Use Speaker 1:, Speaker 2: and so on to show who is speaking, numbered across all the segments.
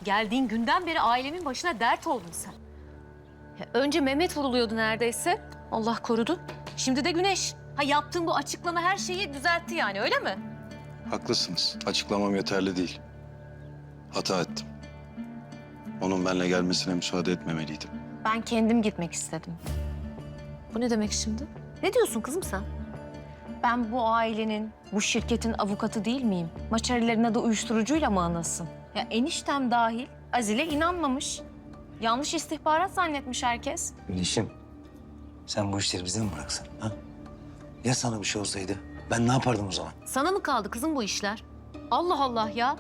Speaker 1: Geldiğin günden beri ailemin başına dert oldun sen. Ya önce Mehmet vuruluyordu neredeyse. Allah korudu. Şimdi de Güneş. Ha, yaptığın bu açıklama her şeyi düzeltti yani, öyle mi?
Speaker 2: Haklısınız. Açıklamam yeterli değil. Hata ettim. Onun benimle gelmesine müsaade etmemeliydim.
Speaker 1: Ben kendim gitmek istedim. Bu ne demek şimdi? Ne diyorsun kızım sen? Ben bu ailenin, bu şirketin avukatı değil miyim? Maçarilerin adı uyuşturucuyla mı anılsın? Ya eniştem dahil Azil'e inanmamış. Yanlış istihbarat zannetmiş herkes.
Speaker 3: Güneşim, sen bu işleri bize mi bıraksan? Ha? Ya sana bir şey olsaydı? Ben ne yapardım o zaman?
Speaker 1: Sana mı kaldı kızım bu işler? Allah Allah ya.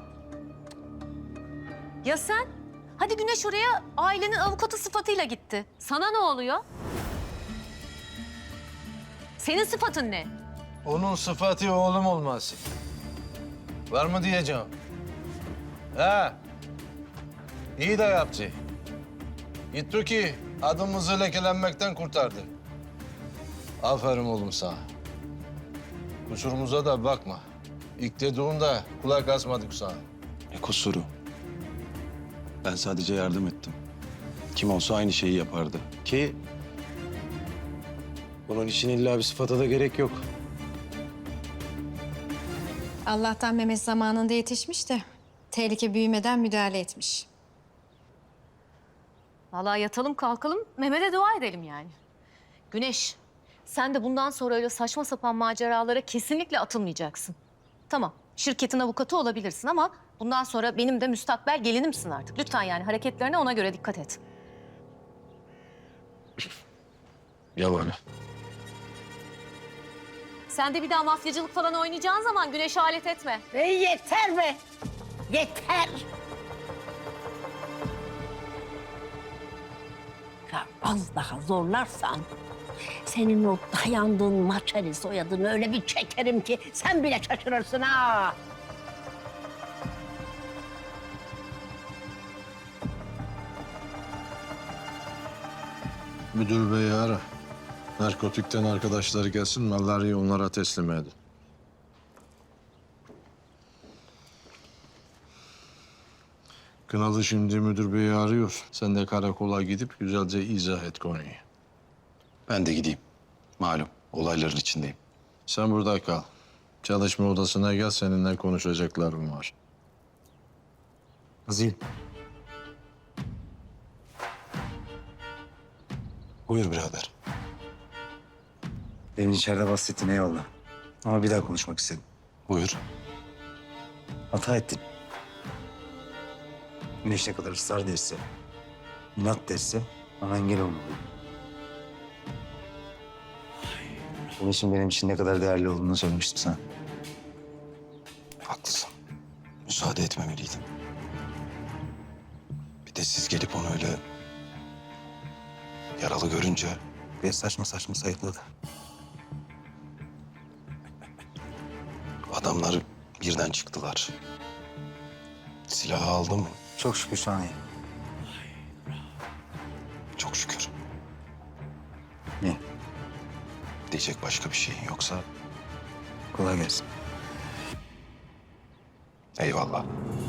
Speaker 1: Ya sen? Hadi Güneş oraya ailenin avukatı sıfatıyla gitti. Sana ne oluyor? Senin sıfatın ne?
Speaker 4: Onun sıfatı oğlum olması. Var mı diyeceğim? He. İyi de yaptı. Gitti ki adımızı lekelenmekten kurtardı. Aferin oğlum sana. Kusurumuza da bakma. İlk dediğimde kulak asmadık sana.
Speaker 2: Ne kusuru? Ben sadece yardım ettim. Kim olsa aynı şeyi yapardı. Ki bunun için illa bir sıfata da gerek yok.
Speaker 5: Allah'tan Mehmet zamanında yetişmiş de tehlike büyümeden müdahale etmiş.
Speaker 1: Vallahi yatalım kalkalım Mehmet'e dua edelim yani. Güneş, sen de bundan sonra öyle saçma sapan maceralara kesinlikle atılmayacaksın. Tamam, şirketin avukatı olabilirsin ama bundan sonra benim de müstakbel gelinimsin artık. Lütfen yani hareketlerine ona göre dikkat et.
Speaker 4: Yalan.
Speaker 1: Sen de bir daha mafyacılık falan oynayacağın zaman Güneş'e alet etme.
Speaker 6: Yeter be! Yeter! Ya az daha zorlarsan senin o dayandığın Maçari soyadını öyle bir çekerim ki sen bile şaşırırsın ha.
Speaker 4: Müdür beyi ara. Narkotikten arkadaşları gelsin, malları onlara teslim edin. Kınalı şimdi müdür beyi arıyor. Sen de karakola gidip güzelce izah et konuyu.
Speaker 2: Ben de gideyim. Malum olayların içindeyim.
Speaker 4: Sen burada kal. Çalışma odasına gel, seninle konuşacaklarım var.
Speaker 3: Azil.
Speaker 2: Buyur birader.
Speaker 3: Demin içeride bahsettin eyvallah. Ama bir daha konuşmak istedim.
Speaker 2: Buyur.
Speaker 3: Hata ettin. Güneş ne kadar ısrar ederse, inat derse bana engel olmalıyım. Güneş'in benim için ne kadar değerli olduğunu söylemiştim sana.
Speaker 2: Haklısın. Müsaade etmemeliydim. Bir de siz gelip onu öyle yaralı görünce
Speaker 3: Ve saçma saçma sayıkladı.
Speaker 2: adamlar birden çıktılar. Silahı aldı mı?
Speaker 3: Çok şükür şu an iyi.
Speaker 2: Çok şükür.
Speaker 3: İyi.
Speaker 2: Diyecek başka bir şeyin yoksa
Speaker 3: Kolay gelsin.
Speaker 2: eyvallah.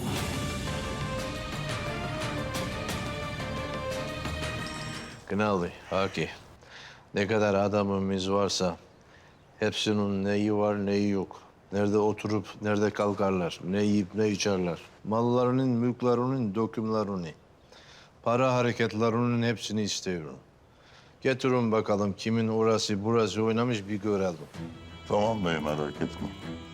Speaker 4: Kınalı, Haki. Ne kadar adamımız varsa hepsinin neyi var neyi yok. Nerede oturup nerede kalkarlar, ne yiyip ne içerler. Mallarının, mülklerinin, dökümlerini, para hareketlerinin hepsini istiyorum. Getirin bakalım kimin orası burası oynamış bir görelim.
Speaker 7: Tamam bey, merak etme.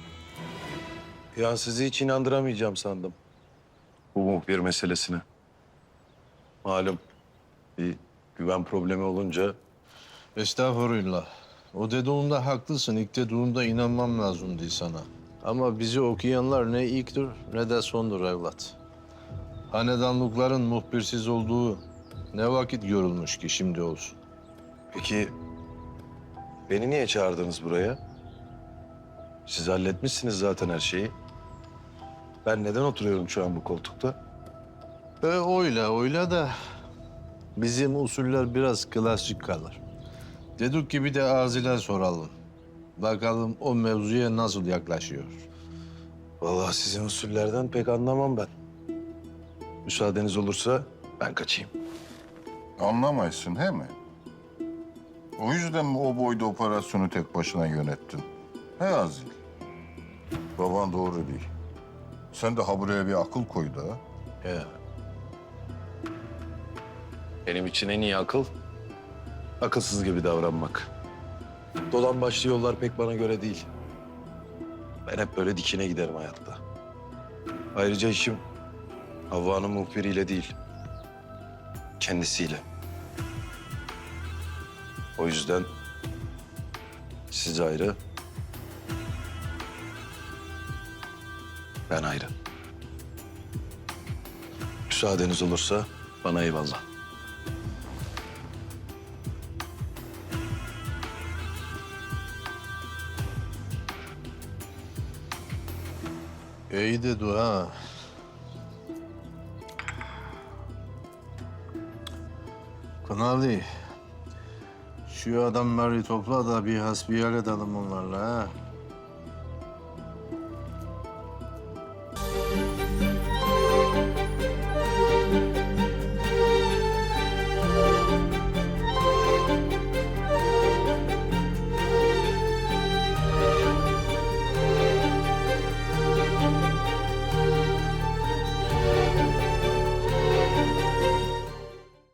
Speaker 2: Ya sizi hiç inandıramayacağım sandım. Bu muhbir meselesine. Malum bir güven problemi olunca
Speaker 4: Estağfurullah. O dediğinde haklısın. İlk dediğinde inanmam lazımdı sana. Ama bizi okuyanlar ne ilktir ne de sondur evlat. Hanedanlıkların muhbirsiz olduğu ne vakit görülmüş ki şimdi olsun.
Speaker 2: peki beni niye çağırdınız buraya? Siz halletmişsiniz zaten her şeyi. Ben neden oturuyorum şu an bu koltukta?
Speaker 4: Öyle de bizim usuller biraz klasik kalır. Dedik ki bir de Azil'e soralım. Bakalım o mevzuya nasıl yaklaşıyor.
Speaker 2: Vallahi sizin usullerden pek anlamam ben. Müsaadeniz olursa ben kaçayım.
Speaker 7: Anlamaysın he mi? O yüzden mi o boyda operasyonu tek başına yönettin? He Azil. Baban doğru değil. Sen de ha buraya bir akıl koy da.
Speaker 2: Ya. Benim için en iyi akıl, akılsız gibi davranmak. Dolan başlı yollar pek bana göre değil. Ben hep böyle dikine giderim hayatta. Ayrıca işim Havva'nın muhbiriyle değil, kendisiyle. O yüzden siz ayrı, ben ayrı. Müsaadeniz olursa bana eyvallah.
Speaker 4: İyi de dua. Kınalı. Şu adamları topla da bir hasbihal edelim onlarla ha.